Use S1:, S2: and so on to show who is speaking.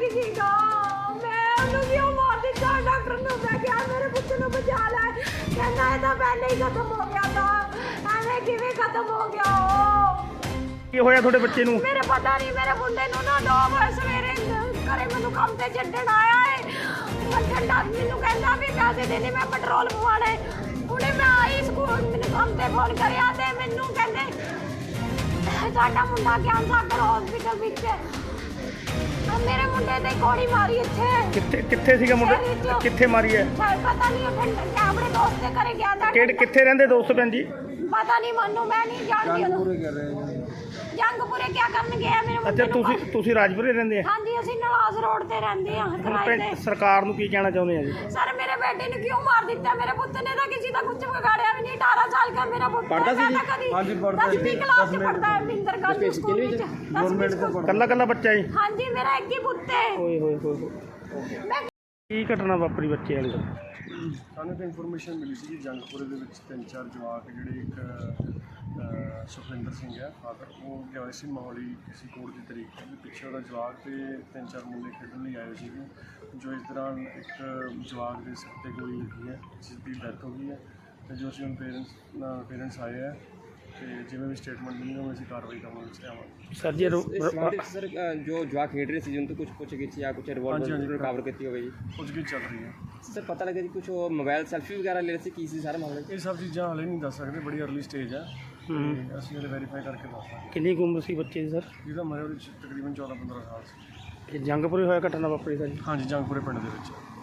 S1: ਸੀਗਾ। ਮੈਂ ਉਹਨੂੰ ਕਿਉਂ ਮਾਰ ਦਿੱਤਾ? ਡਾਕਟਰ ਨੂੰ ਮੈਂ ਕਿਹਾ ਮੇਰੇ ਪੁੱਤ ਨੂੰ ਬਚਾ ਲੈ, ਕਹਿੰਦਾ ਇਹ ਤਾਂ ਪਹਿਲੇ ਹੀ ਖਤਮ ਹੋ ਗਿਆ ਤਾਂ। ਐਵੇਂ ਕਿਵੇਂ ਖਤਮ ਹੋ ਗਿਆ ਉਹ?
S2: ਕੀ ਹੋਇਆ ਤੁਹਾਡੇ ਬੱਚੇ ਨੂੰ?
S1: ਮੇਰੇ ਪਤਾ ਨਹੀਂ, ਮੇਰੇ ਮੁੰਡੇ ਨੂੰ ਨਾ 2 ਵਜੇ ਸਵੇਰੇ ਘਰੇ ਮੈਨੂੰ ਕੰਮ ਤੇ ਛੱਡਣ ਆਇਆ ਹੈ। ਠੰਡਾ ਮੈਨੂੰ ਕਹਿੰਦਾ ਵੀ ਪੈਸੇ ਦੇ ਦੇ, ਮੈਂ ਪੈਟਰੋਲ ਪਵਾਉਣਾ ਹੈ। ਹੁਣੇ ਮੈਂ ਆਈ ਸਕੂਲ, ਮੈਨੂੰ ਕੰਮ ਤੇ ਫੋਨ ਕਰਿਆ ਤੇ ਮੈਨੂੰ ਕਹਿੰਦੇ ਸਾਡਾ ਮੁੰਡਾ ਗਿਆਨ ਸਾਗਰ ਹਸਪੀਟਲ ਵਿੱਚ ਹੈ। ਮੇਰੇ ਮੁੰਡੇ ਤੇ ਗੋਲੀ ਮਾਰੀ ਇੱਥੇ।
S2: ਕਿੱਥੇ ਸੀਗਾ ਮੁੰਡਾ? ਕਿੱਥੇ ਮਾਰੀ ਹੈ?
S1: ਪਤਾ ਨਹੀਂ, ਆਪਣੇ ਦੋਸਤ ਦੇ ਘਰੇ ਗਿਆ ਤਾਂ।
S2: ਕਿੱਥੇ ਰਹਿੰਦੇ ਦੋਸਤ ਭੈਣ ਜੀ?
S1: ਪਤਾ ਨਹੀਂ ਮੈਨੂੰ, ਮੈਂ ਨਹੀਂ ਜਾਣਦੀ। ਜੰਗਪੁਰੇ ਕਿਆ ਕਰਨ ਗਿਆ ਮੇਰੇ ਮੁੰਡੇ ਨੂੰ?
S2: ਅੱਛਾ, ਤੁਸੀਂ ਰਾਜਪੁਰੇ ਰਹਿੰਦੇ ਆ?
S1: ਹਾਂਜੀ, ਅਸੀਂ ਨਵਾਜ਼ ਰੋਡ ਤੇ ਰਹਿੰਦੇ ਹਾਂ ਕਿਰਾਏ ਤੇ।
S2: ਸਰਕਾਰ ਨੂੰ ਕੀ ਕਹਿਣਾ ਚਾਹੁੰਦੇ ਆ ਜੀ?
S1: ਸਰ ਮੇਰੇ ਬੇਟੇ ਨੂੰ ਕਿਉਂ ਮਾਰ ਦਿੱਤਾ? ਮੇਰੇ ਪੁੱਤ ਨੇ ਤਾਂ ਕਿਸੇ ਦਾ ਕੁਝ ਵਿਗਾੜਿਆ ਵੀ ਨਹੀਂ। 18 ਸਾਲ ਦਾ ਮੇਰਾ ਪੁੱਤ
S3: ਪੜ੍ਹਦਾ ਸੀ ਜੀ?
S1: ਹਾਂਜੀ ਪੜ੍ਹਦਾ। 10ਵੀਂ ਕਲਾਸ 'ਚ ਪੜ੍ਹਦਾ ਹੈ ਮਿੰਦਰ ਕਾਲਜ ਸਕੂਲ ਵਿੱਚ।
S2: ਕੱਲਾ ਬੱਚਾ ਜੀ?
S1: ਹਾਂਜੀ, ਮੇਰਾ ਇੱਕ ਹੀ ਪੁੱਤ ਹੈ।
S2: ਓਏ ਹੋਏ ਹੋਏ।
S1: ਮੈਂ
S2: ਕੀ ਘਟਨਾ ਵਾਪਰੀ ਬੱਚੇ ਵਾਲੀ?
S4: ਸਾਨੂੰ ਇੱਕ ਇਨਫੋਰਮੇਸ਼ਨ ਮਿਲੀ ਸੀ ਕਿ ਜੰਗਪੁਰੇ ਦੇ ਵਿੱਚ 3-4 ਜਵਾਕ ਜਿਹੜੇ ਇੱਕ ਸੁਖਵਿੰਦਰ ਸਿੰਘ ਹੈ ਫਾਦਰ, ਉਹ ਗਿਆ ਸੀ ਮੋਹਾਲੀ ਕਿਸੇ ਕੋਰਟ ਦੀ ਤਰੀਕ ਤੇ। ਪਿੱਛੇ ਉਹਦਾ ਜਵਾਕ ਤੇ 3-4 ਮੁੰਡੇ ਖੇਡਣ ਲਈ ਆਏ ਸੀਗੇ, ਜੋ ਇਸ ਦੌਰਾਨ ਇੱਕ ਜਵਾਕ ਦੇ ਸਿਰ ਤੇ ਗੋਲੀ ਲੱਗੀ ਹੈ, ਜਿਸ ਦੀ ਡੈਥ ਹੋ ਗਈ ਹੈ। ਅਤੇ ਜੋ ਅਸੀਂ ਹੁਣ ਪੇਰੈਂਟਸ ਆਏ ਹੈ ਤੇ ਜਿਵੇਂ ਵੀ ਸਟੇਟਮੈਂਟ ਮਿਲੀ ਉਹ ਅਸੀਂ ਕਾਰਵਾਈ ਕਰਨ ਵਿੱਚ ਲਿਆਵਾਂਗੇ।
S2: ਸਰ ਜੀ
S3: ਸਰ ਜੋ ਜਵਾਕ ਖੇਡ ਰਹੇ ਸੀ ਜਿਨ ਤੋਂ ਕੁਝ ਪੁੱਛਗਿੱਛ ਜਾਂ ਕੁਝ ਰਿਵਾਲਵਰ ਰਿਕਵਰ ਕੀਤੀ ਹੋਵੇ ਜੀ?
S4: ਪੁੱਛਗਿੱਛ ਚੱਲ ਰਹੀ ਹੈ
S3: ਸਰ। ਪਤਾ ਲੱਗਿਆ ਜੀ ਕੁਝ ਮੋਬਾਈਲ ਸੈਲਫੀ ਵਗੈਰਾ ਲੈ ਰਹੇ ਸੀ, ਕੀ ਸੀ ਸਾਰਾ ਮਾਮਲਾ?
S4: ਇਹ ਸਭ ਚੀਜ਼ਾਂ ਹਾਲੇ ਨਹੀਂ ਦੱਸ ਸਕਦੇ, ਬੜੀ ਅਰਲੀ ਸਟੇਜ ਹੈ। ਅਸੀਂ ਹਲੇ ਵੈਰੀਫਾਈ ਕਰਕੇ ਦੱਸਾਂਗੇ।
S2: ਕਿੰਨੀ ਕੁ ਉਮਰ ਸੀ ਬੱਚੇ ਦੀ ਸਰ?
S4: ਜਿਹਦਾ ਮੇਰੇ ਉਹਦੇ 'ਚ ਤਕਰੀਬਨ 14-15 ਸਾਲ ਸੀ।
S2: ਇਹ ਜੰਗਪੁਰੇ ਹੋਇਆ ਘਟਨਾ ਵਾਪਰੀ ਸਰ ਜੀ?
S4: ਹਾਂਜੀ, ਜੰਗਪੁਰੇ ਪਿੰਡ ਦੇ ਵਿੱਚ।